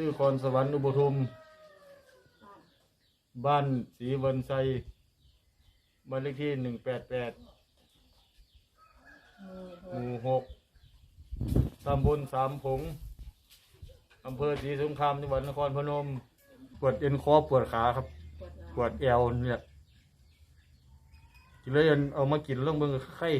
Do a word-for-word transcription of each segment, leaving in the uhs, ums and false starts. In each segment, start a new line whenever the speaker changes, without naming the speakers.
ชื่อคอนสวรรค์อุบทุมบ้านศรีวันไซบ้านเลขที่หนึ่งแปดแปดหมู่หกตำบลสามผงอำเภอศรีสงครามจังหวัดนครพนมปวดเอ็นคอปวดขาครับปวดแอวเนี่ยกินแล้วเอามากินเรื่องเบิ่งไข้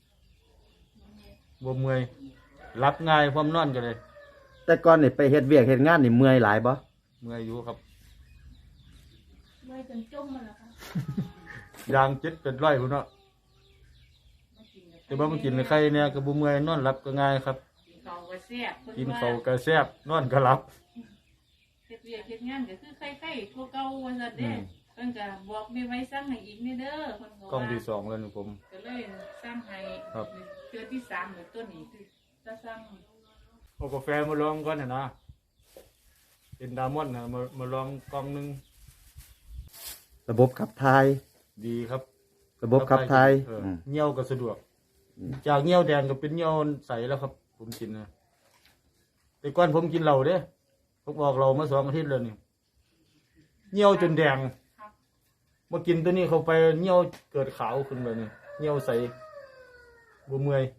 บวมเมื่อยรับง่ายความนอนกันเลย
แต่ก่อนนี่ไปเฮ็ดเวียกเฮ็ดงานนี่เมื่อยหลายบ่
เมื่อยอยู่ครับ
เมื่อยจนจมมาแล้วค่ะ
ยางเจ็ดเป็นร้อยพุ่นเนาะแต่ว่ามันกินไข้เนี่ยกระบุเมื่อยนอนหลับก็ง่ายครับ
กินข้าวก็แซ่บ
กินข้าวก็แซ่บนอนก็หลับ
เฮ็ดเวียกเฮ็ดงานก็คือไข้ๆทั่วเก่าว่าซั่นเด้เพิ่นก็บอกแม่ไว้สั่งให้อีกนี่เด้อเพิ่นก็
กล้องที่สองแล้วนี่ผม
ก็เลยสั่งให้
ครับ
เทื่อที่สามแล้วตัวนี้คือจะสั่ง
เอากาแฟมาลองก่อนนะนะเป็นดามอนนะมามาลองกล่องนึง
ระบบขับถ่าย
ดีครับ
ระบบขับถ่าย
เงี้ยวก็สะดวกจากเงี้ยวแดงก็เป็นเงี้ยวใสแล้วครับผมกินนะแต่ก่อนผมกินเหล้าเด้ผมบอกเรามาสองอาทิตย์แล้วนี่เงี้ยวจนแดงมากินตัวนี้เข้าไปเงี้ยวเกิดขาวขึ้นเลยนี่เงี้ยวใสบ่เมื่อย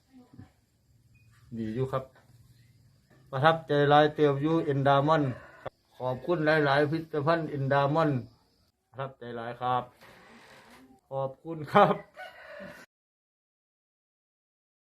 ดีอยู่ครับประทับใจหลายเตียวอยู่เอ็นดามอนขอบคุณหลายๆพิพิธภัณฑ์เอ็นดามอนประทับใจหลายครับขอบคุณครับ